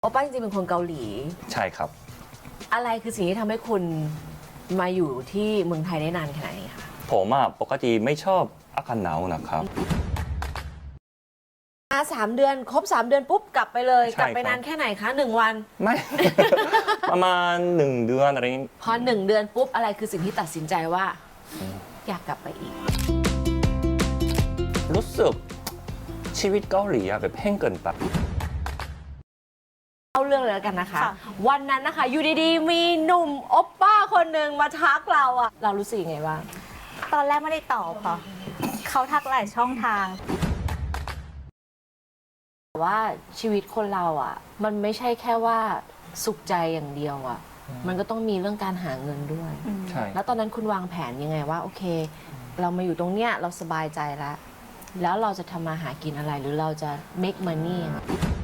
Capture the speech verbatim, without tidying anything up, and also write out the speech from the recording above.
โอป้าจริงๆเป็นคนเกาหลีใช่ครับอะไรคือสิ่งที่ทำให้คุณมาอยู่ที่เมืองไทยได้นานขนาดนี้คะผมอะปกติไม่ชอบอากาศหนาวนะครับมาสามเดือนครบสามเดือนปุ๊บกลับไปเลยใช่กลับไปครับนานแค่ไหนคะหนึ่งวันไม่ ประมาณหนึ่งเดือนอะไรนี้พอหนึ่งเดือนปุ๊บอะไรคือสิ่งที่ตัดสินใจว่า อยากกลับไปอีกรู้สึกชีวิตเกาหลีอะแบบแห้งเกินไปเอาเรื่องเลยแล้วกันนะคะค่ะวันนั้นนะคะอยู่ดีๆ มีหนุ่มโอปป้าคนหนึ่งมาทักเราอะเรารู้สึกยังไงบ้างตอนแรกไม่ได้ตอบค่ะ เขาทักหลายช่องทางแต่ว่าชีวิตคนเราอะมันไม่ใช่แค่ว่าสุขใจอย่างเดียวอะมันก็ต้องมีเรื่องการหาเงินด้วยใช่แล้วตอนนั้นคุณวางแผนยังไงว่าโอเค เรามาอยู่ตรงเนี้ยเราสบายใจแล้ว แล้วเราจะทำมาหากินอะไรหรือเราจะ make money อะ